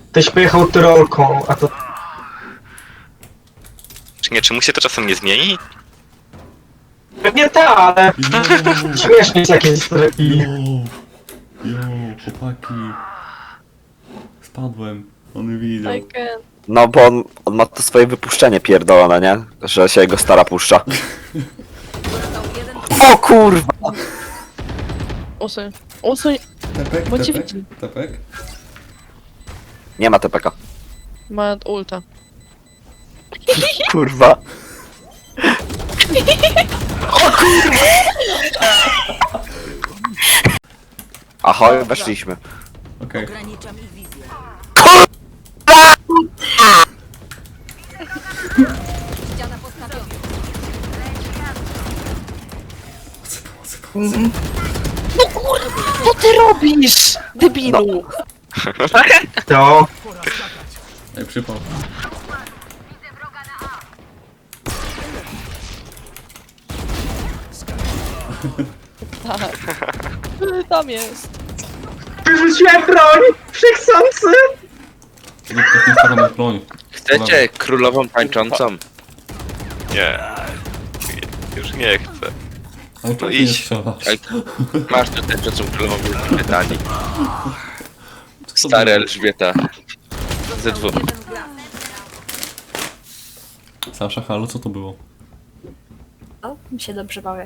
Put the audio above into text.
Ktoś pojechał tyrolką, a to... Czy nie, czy mu się to czasem nie zmieni? Pewnie ta, ale śmiesznie jest jakieś streki. Jo, chłopaki. Spadłem. On widział. I can. No bo on ma to swoje wypuszczenie pierdolone, nie? Że się jego stara puszcza. O kurwa! Usuń. Usuń. Tepek, Bo cię tepek, widzi. tepek. Nie ma TPK. Ma ulta. Kurwa. Ahoj, weszliśmy. Okej. Ograniczam ich wizję. Ściana postawiona. Co ty robisz? Debilu. To... Ej, przypał. Tak. Tam jest. Wyrzuciłem broń! Wszechsący! Nie, tak nie spadam na broń. Chcecie królową tańczącą? Nie. Już nie chcę. Ale czemu ty nie idź. strzelasz? Ej, masz tu tańczącą królową Wielkiej Brytanii. Stara Elżbieta. Ze dwóch. Sasza, halo, co to było? O, mi się dobrze bawię.